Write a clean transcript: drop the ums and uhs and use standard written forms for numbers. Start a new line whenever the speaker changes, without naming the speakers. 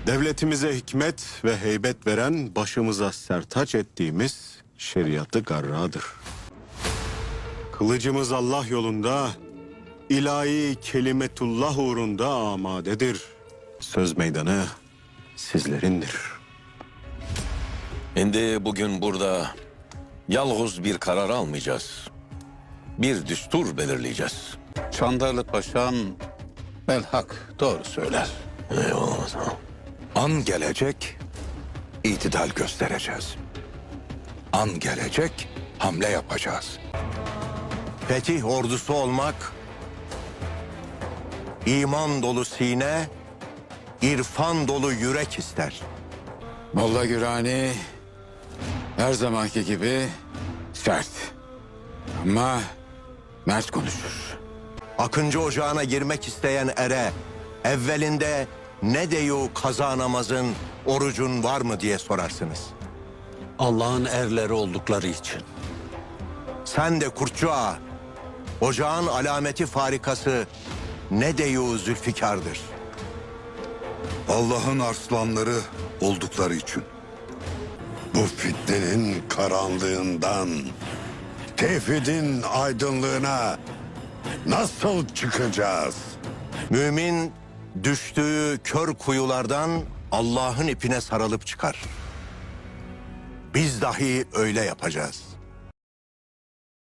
Devletimize hikmet ve heybet veren, başımıza sertaç ettiğimiz şeriatı garradır. Kılıcımız Allah yolunda, ilahi kelimetullah uğrunda amadedir. Söz meydanı sizlerindir.
Şimdi bugün burada yalnız bir karar almayacağız. Bir düstur belirleyeceğiz.
Çandarlı Paşam belhak doğru söyler.
Eyvallah.
An gelecek, itidal göstereceğiz. An gelecek, hamle yapacağız.
Fetih ordusu olmak, iman dolu sine, irfan dolu yürek ister.
Molla Gürani her zamanki gibi sert ama mert konuşur.
Akıncı ocağına girmek isteyen ere, evvelinde ne deyu kaza namazın, orucun var mı diye sorarsınız.
Allah'ın erleri oldukları için.
Sen de Kurtçu Ağa, ocağın alameti farikası ne deyu zülfikardır.
Allah'ın arslanları oldukları için. Bu fitnenin karanlığından, tevhidin aydınlığına nasıl çıkacağız?
Mümin düştüğü kör kuyulardan Allah'ın ipine sarılıp çıkar. Biz dahi öyle yapacağız.